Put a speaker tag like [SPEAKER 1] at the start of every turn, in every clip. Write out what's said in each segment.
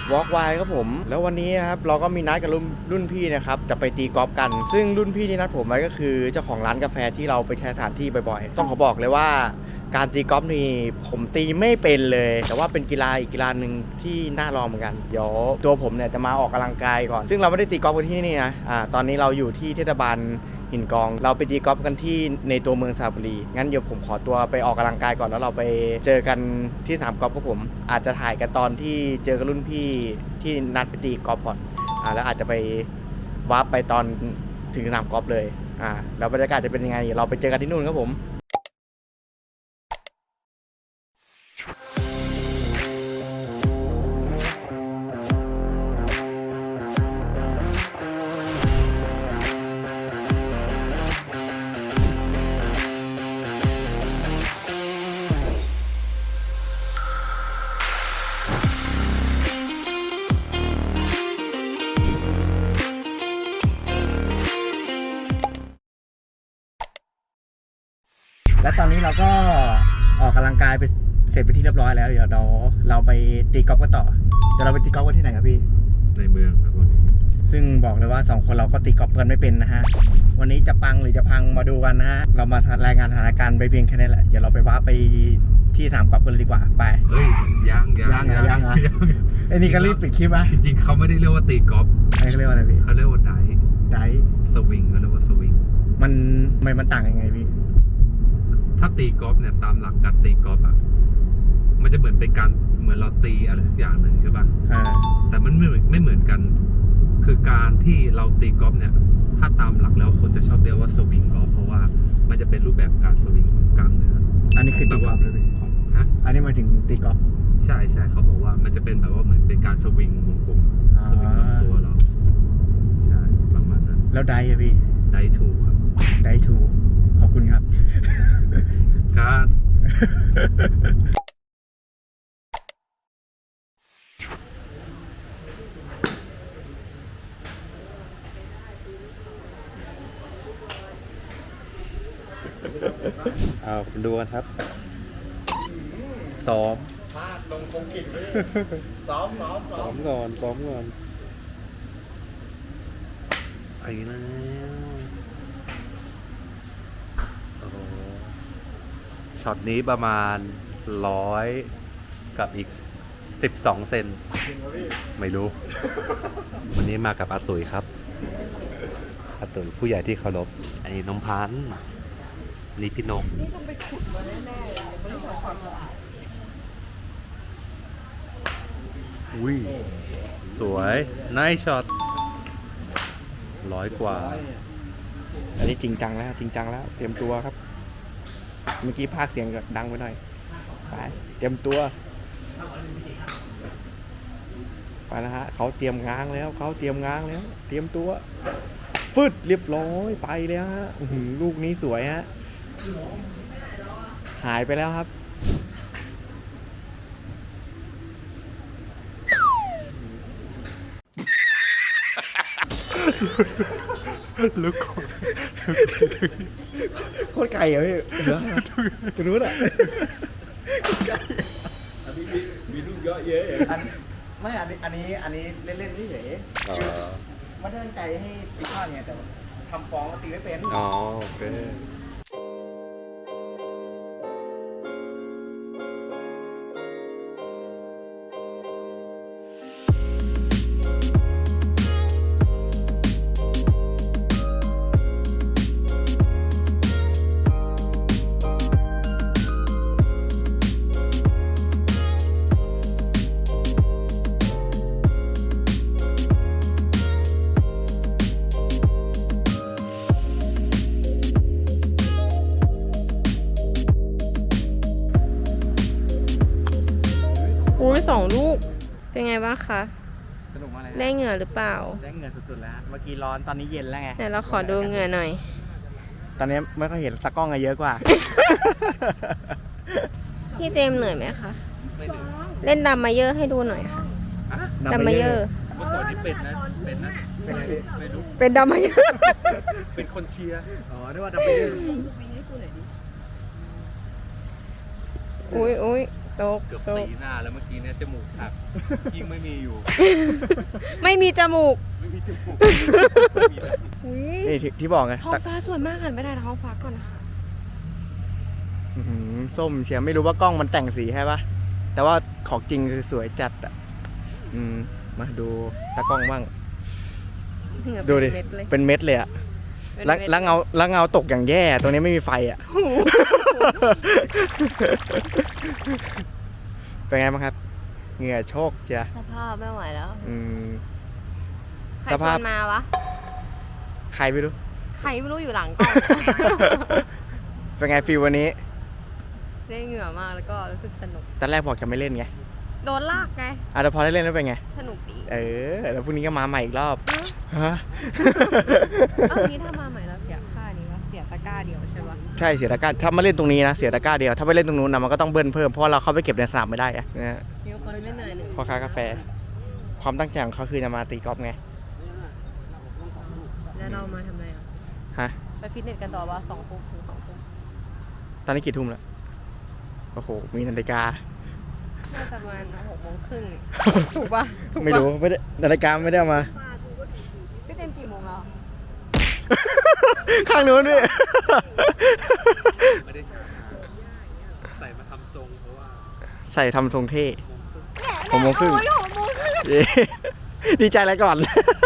[SPEAKER 1] วอล์กไวครับผมแล้ววันนี้นะครับเราก็มีนัดกับรุ่นพี่นะครับจะไปตีกอล์ฟกันซึ่งรุ่นพี่ที่นัดผมไว้ก็คือเจ้าของร้านกาแฟที่เราไปใช้สถานที่บ่อยๆต้องขอบอกเลยว่าการตีกอล์ฟนี่ผมตีไม่เป็นเลยแต่ว่าเป็นกีฬาอีกกีฬาหนึ่งที่น่าลองเหมือนกันเดี๋ยวตัวผมเนี่ยจะมาออกกำลังกายก่อนซึ่งเราไม่ได้ตีกอล์ฟกันที่นี่นะตอนนี้เราอยู่ที่เทศบาลหินกองเราไปตีกอล์ฟกันที่ในตัวเมืองสระบุรีงั้นเดี๋ยวผมขอตัวไปออกกำลังกายก่อนแล้วเราไปเจอกันที่สนามกอล์ฟกับผมอาจจะถ่ายกันตอนที่เจอกับรุ่นพี่ที่นัดไปตีกอล์ฟก่อนแล้วอาจจะไปวาร์ปไปตอนถึงสนามกอล์ฟเลยแล้วบรรยากาศจะเป็นยังไงเราไปเจอกันที่นู่นครับผมและตอนนี้เราก็ออกกำลังกายไปเสร็จไปที่เรียบร้อยแล้วเดี๋ยวเราไปตีกอล์ฟกันต่อเดี๋ยวเราไปตีกอล์ฟกันที่ไหนครับพี่
[SPEAKER 2] ในเมืองครับผม
[SPEAKER 1] ซึ่งบอกเลยว่า2คนเราก็ตีกอล์ฟกันไม่เป็นนะฮะวันนี้จะปังหรือจะพังมาดูกันนะฮะเรามารายงานสถานการณ์ไปเพียงแค่นี้แหละเดี๋ยวเราไปว่าไปที่สนามกอล์ฟกันเลยดีกว่าไป
[SPEAKER 2] เฮ้ยยัง
[SPEAKER 1] ไอ้นี่ก็รีบปิดคลิปอ่ะ
[SPEAKER 2] จริงๆเขาไม่ได้เรียกว่าตีกอล์ฟ
[SPEAKER 1] เขาเรียกว่าอะไรพี่
[SPEAKER 2] เขาเรียกว่าไดสวิงเขาเรียกว่าสวิง
[SPEAKER 1] มันต่างยังไงพี่
[SPEAKER 2] ถ้าตีกอล์ฟเนี่ยตามหลักการตีกอล์ฟอ่ะมันจะเหมือนเป็นการเหมือนเราตีอะไรสักอย่างหนึ่งใช่ป่ะแต่มันไม่เหมือนกันคือการที่เราตีกอล์ฟเนี่ยถ้าตามหลักแล้วคนจะชอบเรียกว่าสวิงกอล์ฟเพราะว่ามันจะเป็นรูปแบบการสวิงของกล้ามเนื้อ
[SPEAKER 1] อันนี้คือตีกอล์ฟเลย
[SPEAKER 2] ของ
[SPEAKER 1] อันนี้มาถึงตีกอล์ฟ
[SPEAKER 2] ใช่เขาบอกว่ามันจะเป็นแบบว่าเหมือนเป็นการสวิงวงกลมสวิงลำตัวเราใช่ประมาณนั้น
[SPEAKER 1] แล้วไดอะพี่
[SPEAKER 2] ไดทูครับ
[SPEAKER 1] ไดทูขอบคุณครับ
[SPEAKER 2] การ
[SPEAKER 1] ดูกันครับซ้อมพลาดลงคงกินซ้อมก่อนไปแล้ว
[SPEAKER 2] โอ้โหช็อตนี้ประมาณ100กับอีก12 เซนไม่รู้ วันนี้มากับอาตุ๋ยครับอาตุ๋ยผู้ใหญ่ที่เคารพอันนี้น้องพันธุ์นี่พี่นกนี่ต้องไปขุดมาแน่ๆเลยไม่ต้องทำความสะอาดอุ้ยสวยไนท์ช็อต100 กว่า
[SPEAKER 1] อันนี้จริงจังแล้วเตรียมตัวครับเมื่อกี้พากเสียงดังไปหน่อยไปเตรียมตัวไปนะฮะเขาเตรียมง้างแล้วเตรียมตัวฟึดเรียบร้อยไปแล้วฮะลูกนี้สวยฮะหายไปแล้วครับลูกโคตรไก่เหรอพี่ตัวนู้นอ่ะอันนี้มีลูกเยอะเยอะไม่อันนี้เล่นๆนี่เฉยไม่ได้ตั้งใจให้ตีพลาดไงแต่ทำฟองก็ตีไม่เป็น
[SPEAKER 2] อ๋อโอเค
[SPEAKER 3] 2 ลูกเป็นไงบ้างคะ
[SPEAKER 1] สนุกมากเลย
[SPEAKER 3] ได้เหงื่อหรือเปล่า
[SPEAKER 1] ได้เหงื่อสุดๆแล้วเมื่อกี้ร้อนตอนนี้เย็นแล้วไง
[SPEAKER 3] ไหนเราขอดูเหงื่อหน่อย
[SPEAKER 1] ตอนนี้ไม่ค่อยเห็นตะกล้องเยอะกว่า
[SPEAKER 3] พี่เจมเหนื่อยไหมคะเล่นดัมมาเยอร์ให้ดูหน่อยค่ะดัมมาเยอร์
[SPEAKER 2] เมื่อก่อนนี่เป็นนะ
[SPEAKER 3] เป็นดัมมาเยอร์
[SPEAKER 2] เป็นคนเชียร์
[SPEAKER 1] อ๋อนึกว่าดัมมาเยอร์
[SPEAKER 3] อุ้ยตก
[SPEAKER 2] เกือบ
[SPEAKER 3] ตก
[SPEAKER 2] ตีหน้าแล้วเมื่อกี้เนี่ยจมูกหักยิ่งไม่มีอยู่
[SPEAKER 3] ไม่มีจมูก
[SPEAKER 2] ไม่มีจมูก
[SPEAKER 3] อุ้ย
[SPEAKER 1] นี่ที่บอกไง
[SPEAKER 3] ท้องฟ้าสวยมากหันไปได้ท้องฟ้าก่อนนะ
[SPEAKER 1] อื้อหือส้มเชียวไม่รู้ว่ากล้องมันแต่งสีให้ปะแต่ว่าของจริงคือสวยจัดอ่ะมาดูตากล้องบ้าง
[SPEAKER 3] เหงื่อ
[SPEAKER 1] ดูดิ
[SPEAKER 3] เป็นเม็ดเลย
[SPEAKER 1] เป็นเม็ดเลยอ่ะ
[SPEAKER 3] เป็น
[SPEAKER 1] แล้ว
[SPEAKER 3] เม็ด
[SPEAKER 1] แล้วเงาตกอย่างแย่ตรงนี้ไม่มีไฟอ่ะ เป็นไงบ้างครับ เหงื่อโชกเชีย
[SPEAKER 3] สภาพไม่ไหวแล้ว ใคร
[SPEAKER 1] ส
[SPEAKER 3] ช
[SPEAKER 1] ภา
[SPEAKER 3] ว
[SPEAKER 1] พ
[SPEAKER 3] นมาวะ
[SPEAKER 1] ใครไม่รู้
[SPEAKER 3] ใครไม่รู้อยู่หลังกล้อง
[SPEAKER 1] เป็นไงฟีลวันนี้
[SPEAKER 3] ได้เหงื่อมากแล้วก็รู้สึกสนุก
[SPEAKER 1] ตอนแรกบอกจะไม่เล่นไง
[SPEAKER 3] โดนลากไง
[SPEAKER 1] แต่พอได้เล่นแล้วเป็นไง
[SPEAKER 3] สนุกดี
[SPEAKER 1] แล้วพรุ่งนี้ก็มาใหม่อีกรอบ ฮะ
[SPEAKER 3] เอ้านี้ถ้ามาใหม่เราเสียค่านี้วะเสียตะกร้าเดียวใช่ปะ
[SPEAKER 1] ใช่เสียตะกร้าถ้ามาเล่นตรงนี้นะเสียตะกร้าเดียวถ้าไปเล่นตรงนู้นนะมันก็ต้องเบิ้ลเพิ่มเพราะว่าเราเข้าไปเก็บในสนามไม่ได้อะนะฮะ
[SPEAKER 3] มีคนไม่เหนื่อยหนึ่ง
[SPEAKER 1] พ่อค้ากาแฟ ความตั้งใจของเขาคือจะมาตีกอล์ฟไง
[SPEAKER 3] แล้วเรามาทำไมอ่ะ
[SPEAKER 1] ฮะ
[SPEAKER 3] ไปฟิตเนสกันต่อวะ2 ทุ่มถึง 2 ทุ่ม
[SPEAKER 1] ตอนนี้กี่ทุ่มแล้วโอ้โหมีนาฬิกา
[SPEAKER 3] น่าจะประมาณ6 โมงครึ่ง ถูกปะถูกปะ
[SPEAKER 1] ไม่รู้ไม่ได้นาฬิกาไม่ได้เอามา
[SPEAKER 3] พี่เต็มกี่โมงแล้ว
[SPEAKER 1] ข้างนู้นด้วย
[SPEAKER 2] ไม่ได้ใส่มาทำทรงเพราะว่า
[SPEAKER 1] ใส่ทำทรงเท่6 โมงครึ่ง
[SPEAKER 3] โอ้ย6 โมงครึ่ง
[SPEAKER 1] เย้ดีใจอะไรก่อน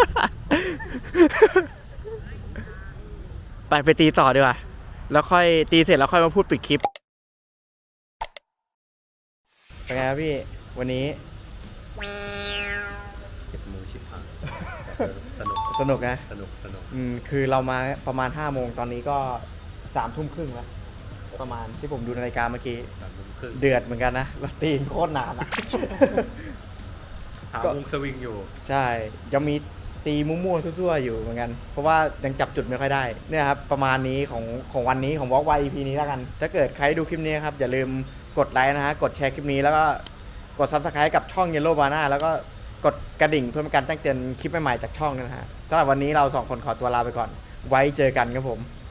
[SPEAKER 1] ไปตีต่อดีกว่า แล้วค่อยตีเสร็จแล้วค่อยมาพูดปิดคลิป เป็นไงครับพี่ วันนี้
[SPEAKER 2] 7 โมงชิบหายสนุก
[SPEAKER 1] สนุกนะ
[SPEAKER 2] สนุก
[SPEAKER 1] คือเรามาประมาณ5 โมงตอนนี้ก็3 ทุ่มครึ่งแล้ว ประมาณที่ผมดูนาฬิกาเมื่อกี้
[SPEAKER 2] 3 โมงครึ่ง
[SPEAKER 1] เดือดเหมือนกันนะเราตีโคตรนานอะ
[SPEAKER 2] หาวงสวิงอยู่
[SPEAKER 1] ใช่ยังมีตีมั่วๆซั่วๆอยู่เหมือนกัน เพราะว่ายังจับจุดไม่ค่อยได้ เนี่ยครับ ประมาณนี้ของวันนี้ของ Walk Wide EP นี้แล้วกัน ถ้าเกิดใครดูคลิปนี้ครับ อย่าลืมกดไลค์นะฮะ กดแชร์คลิปนี้แล้วก็กด Subscribe กับช่อง Yellow Banana แล้วก็กดกระดิ่งเพื่อเป็นการแจ้งเตือนคลิปใหม่ๆจากช่องนะฮะสำหรับวันนี้เรา2 คนขอตัวลาไปก่อน ไว้เจอกันครับผม